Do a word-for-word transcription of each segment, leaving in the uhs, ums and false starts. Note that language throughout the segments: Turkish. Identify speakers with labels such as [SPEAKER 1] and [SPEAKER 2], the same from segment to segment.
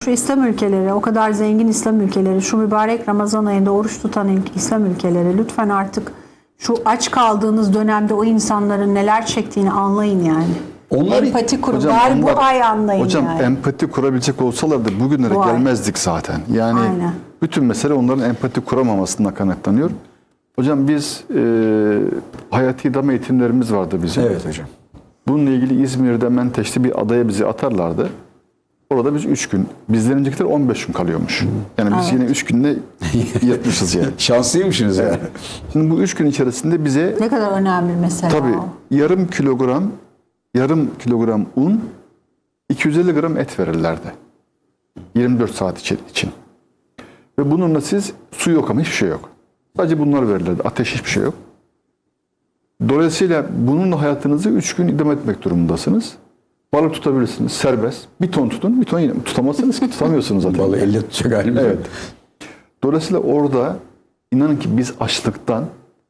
[SPEAKER 1] şu İslam ülkeleri, o kadar zengin İslam ülkeleri, şu mübarek Ramazan ayında oruç tutan ilk İslam ülkeleri lütfen artık şu aç kaldığınız dönemde o insanların neler çektiğini anlayın yani.
[SPEAKER 2] Onlar,
[SPEAKER 1] empati kurun.
[SPEAKER 3] Hocam,
[SPEAKER 1] Bari
[SPEAKER 3] onlar-
[SPEAKER 1] bu ay anlayın
[SPEAKER 3] Hocam
[SPEAKER 1] yani.
[SPEAKER 3] empati kurabilecek olsalardı bugünlere
[SPEAKER 1] Bu ay.
[SPEAKER 3] gelmezdik zaten. Yani
[SPEAKER 1] Aynen.
[SPEAKER 3] bütün mesele onların empati kuramamasından kaynaklanıyor. Hocam biz e, hayati idame eğitimlerimiz vardı bizim.
[SPEAKER 2] evet hocam.
[SPEAKER 3] Bununla ilgili İzmir'de Menteş'te bir adaya bizi atarlardı. Orada biz üç gün. Bizden öncekiler on beş gün kalıyormuş. Yani biz yine üç günde yatmışız yani.
[SPEAKER 2] Şanslıymışsınız yani.
[SPEAKER 3] Şimdi bu üç gün içerisinde bize
[SPEAKER 1] Ne kadar önemli mesela
[SPEAKER 3] tabii
[SPEAKER 1] o.
[SPEAKER 3] yarım kilogram yarım kilogram un, iki yüz elli gram et verirlerdi. yirmi dört saat içi- için. Ve bununla siz su yok ama hiçbir şey yok. Sadece bunlar verirlerdi. Ateş hiçbir şey yok. Dolayısıyla bununla hayatınızı üç gün idame etmek durumundasınız. Balık tutabilirsiniz. Serbest. Bir ton tutun. Bir ton yine tutamazsınız ki tutamıyorsunuz zaten.
[SPEAKER 2] Vallahi elle tutacak halimiz
[SPEAKER 3] Evet.
[SPEAKER 2] yok.
[SPEAKER 3] Dolayısıyla orada inanın ki biz açlıktan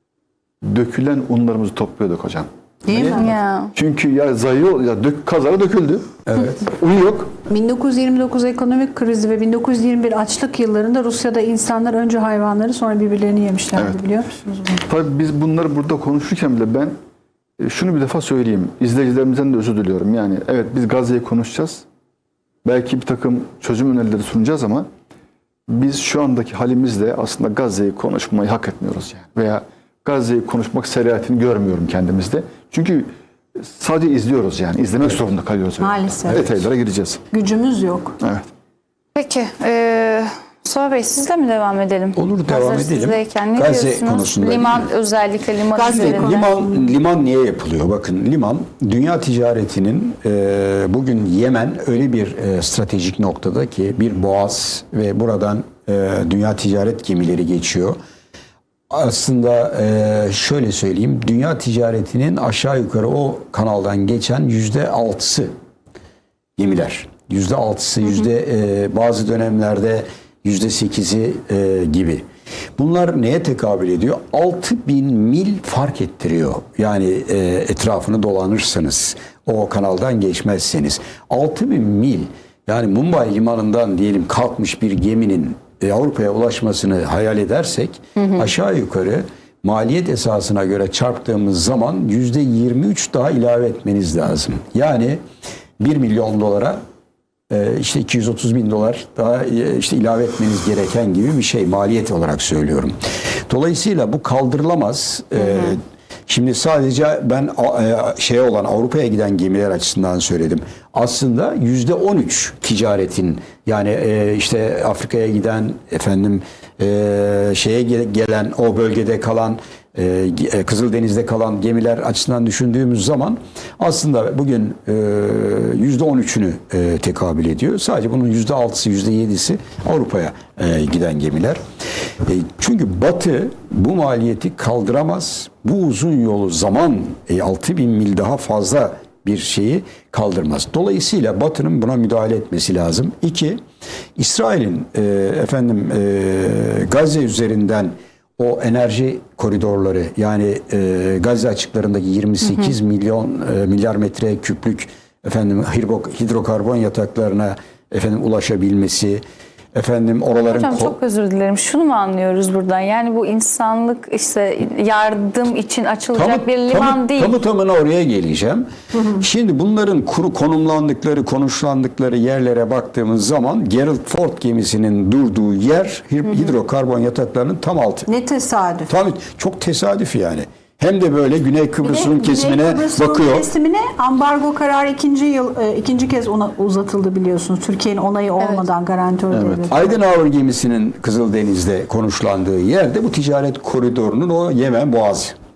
[SPEAKER 3] dökülen unlarımızı topluyorduk hocam.
[SPEAKER 1] Değil mi?
[SPEAKER 4] Ya.
[SPEAKER 3] Çünkü ya zayı ya dök, kazara döküldü.
[SPEAKER 2] Evet.
[SPEAKER 3] Un yok.
[SPEAKER 1] bin dokuz yüz yirmi dokuz ekonomik krizi ve bin dokuz yüz yirmi bir açlık yıllarında Rusya'da insanlar önce hayvanları sonra birbirlerini yemişlerdi,
[SPEAKER 3] Evet.
[SPEAKER 1] biliyor musunuz bunu?
[SPEAKER 3] Tabii biz bunları burada konuşurken bile ben e, şunu bir defa söyleyeyim. İzleyicilerimizden de özür diliyorum. Yani evet biz Gazze'yi konuşacağız. Belki bir takım çözüm önerileri sunacağız ama biz şu andaki halimizle aslında Gazze'yi konuşmayı hak etmiyoruz yani. Veya Gazze'yi konuşmak seriyetini görmüyorum kendimizde. Çünkü sadece izliyoruz yani. İzlemek zorunda kalıyoruz.
[SPEAKER 1] Maalesef.
[SPEAKER 3] Detaylara gireceğiz.
[SPEAKER 1] Gücümüz yok.
[SPEAKER 3] Evet.
[SPEAKER 4] Peki. E, Mustafa Bey sizle mi devam edelim?
[SPEAKER 2] Olur, devam
[SPEAKER 4] Hazır
[SPEAKER 2] edelim.
[SPEAKER 4] sizdeyken ne
[SPEAKER 2] Gazze
[SPEAKER 4] diyorsunuz?
[SPEAKER 2] konusunda
[SPEAKER 4] Liman
[SPEAKER 2] değil mi?
[SPEAKER 4] özellikle liman
[SPEAKER 1] Gazze
[SPEAKER 4] üzerinde.
[SPEAKER 2] Liman, liman niye yapılıyor? Bakın liman dünya ticaretinin e, bugün Yemen öyle bir e, stratejik noktada ki bir boğaz ve buradan e, dünya ticaret gemileri geçiyor. Aslında e, şöyle söyleyeyim, dünya ticaretinin aşağı yukarı o kanaldan geçen yüzde altısı gemiler. Yüzde altısı, yüzde e, bazı dönemlerde yüzde sekizi e, gibi. Bunlar neye tekabül ediyor? altı bin mil fark ettiriyor. Yani e, etrafını dolanırsanız, o kanaldan geçmezseniz. altı bin mil, yani Mumbai limanından diyelim kalkmış bir geminin e, Avrupa'ya ulaşmasını hayal edersek, hı hı. aşağı yukarı maliyet esasına göre çarptığımız zaman yüzde yirmi üç daha ilave etmeniz lazım. Yani bir milyon dolara işte iki yüz otuz bin dolar daha işte ilave etmeniz gereken gibi bir şey, maliyet olarak söylüyorum. Dolayısıyla bu kaldırılamaz. Hı hı. Şimdi sadece ben şey olan Avrupa'ya giden gemiler açısından söyledim. Aslında yüzde on üç ticaretin, yani işte Afrika'ya giden, efendim şeye gelen, o bölgede kalan, Kızıldeniz'de kalan gemiler açısından düşündüğümüz zaman aslında bugün yüzde on üçünü tekabül ediyor. Sadece bunun yüzde altısı, yüzde yedisi Avrupa'ya giden gemiler. Çünkü Batı bu maliyeti kaldıramaz. Bu uzun yolu zaman altı bin mil daha fazla bir şeyi kaldırmaz. Dolayısıyla Batı'nın buna müdahale etmesi lazım. İki, İsrail'in efendim Gazze üzerinden o enerji koridorları, yani e, Gazze açıklarındaki yirmi sekiz hı hı. milyon e, milyar metre küplük efendim hidrokarbon yataklarına efendim ulaşabilmesi, efendim oraların
[SPEAKER 4] Hocam çok özür dilerim. Şunu mu anlıyoruz buradan? Yani bu insanlık işte yardım için açılacak
[SPEAKER 2] tamı,
[SPEAKER 4] bir liman
[SPEAKER 2] tamı,
[SPEAKER 4] değil.
[SPEAKER 2] Tamı tamına oraya geleceğim. Hı hı. Şimdi bunların kuru konumlandıkları, konuşlandıkları yerlere baktığımız zaman Gerald Ford gemisinin durduğu yer hı hı. hidrokarbon yataklarının tam altı.
[SPEAKER 1] Ne tesadüf.
[SPEAKER 2] Tabii çok tesadüf yani. Hem de böyle Güney Kıbrıs'ın kesimine
[SPEAKER 1] Güney Kıbrıs'ın
[SPEAKER 2] bakıyor.
[SPEAKER 1] kesimine ambargo kararı ikinci yıl ikinci kez ona uzatıldı biliyorsunuz. Türkiye'nin onayı olmadan, evet. garantör
[SPEAKER 3] evet.
[SPEAKER 1] devleti.
[SPEAKER 2] Eisenhower gemisinin Kızıldeniz'de konuşlandığı yerde bu ticaret koridorunun o Yemen Boğazı.